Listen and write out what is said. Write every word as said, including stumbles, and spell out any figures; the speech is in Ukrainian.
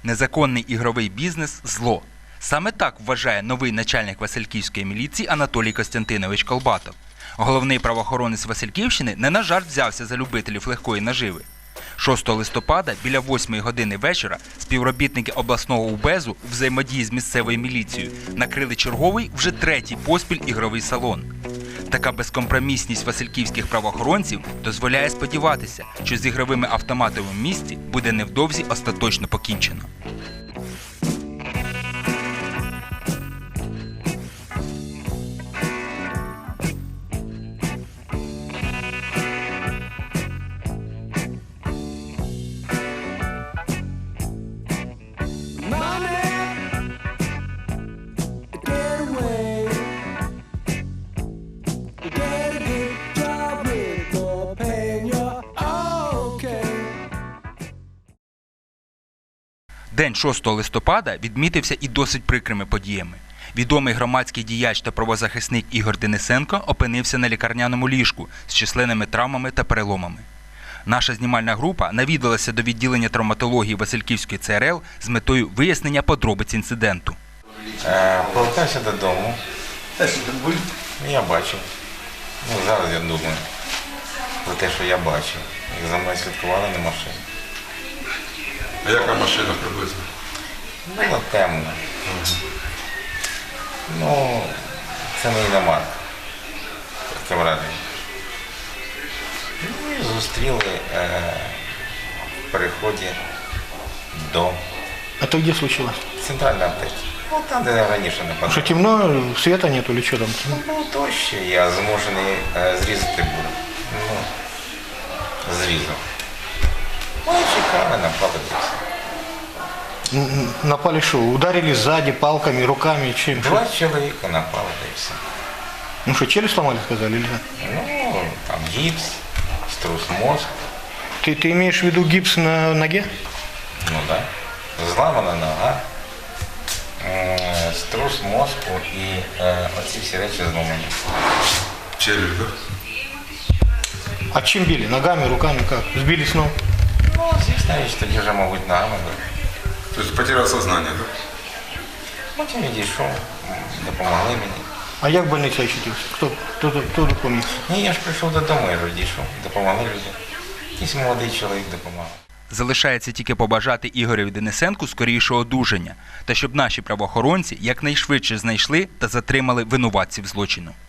Незаконний ігровий бізнес – зло. Саме так вважає новий начальник Васильківської міліції Анатолій Костянтинович Колбатов. Головний правоохоронець Васильківщини не на жарт взявся за любителів легкої наживи. шостого листопада біля восьмої години вечора співробітники обласного УБЕЗу у взаємодії з місцевою міліцією накрили черговий вже третій поспіль ігровий салон. Така безкомпромісність васильківських правоохоронців дозволяє сподіватися, що з ігровими автоматами в місті буде невдовзі остаточно покінчено. День шостого листопада відмітився і досить прикрими подіями. Відомий громадський діяч та правозахисник Ігор Денисенко опинився на лікарняному ліжку з численними травмами та переломами. Наша знімальна група навідалася до відділення травматології Васильківської Це Ер Ел з метою вияснення подробиць інциденту. Повертався додому. Я бачив. Ну, зараз я думаю про те, що я бачив. Як за мною слідкували на машині. А яка машина приблизно? Було темно. Ну, це не іномарка. Таке враження. Ну і зустріли е, в переході до Это где случилось? центральної аптеки. Ну, там, де раніше не Что подав. темно, света нету или что там? Ну, то ще я змушений е, зрізати був. Ну, зрізав. Ну, чекали, напали десь. М, Напали что? Ударили сзади палками, руками, чем? Два чоловіка напали, та й все. Ну что, челюсть сломали, сказали, или что? Ну, там гіпс, струс мозку, Ты, ты имеешь в виду гипс на ноге? ну да, зламана нога, е, струс мозку і е, оці всі речі зломані. Челюсть, да? А чем били? Ногами, руками, как? Сбили с ног? Ну, звісно, річ, тоді вже, мабуть, ногами. То есть потерял сознание, да? Потім відійшов, допомогли мені. А як в больнице очутился? Кто, кто, кто, кто допомог? Ні, я ж прийшов додому, я ж відійшов, допомогли людям. Якийсь молодий чоловік допомагав. Залишається тільки побажати Ігореві Денисенку скорішого одужання та щоб наші правоохоронці якнайшвидше знайшли та затримали винуватців злочину.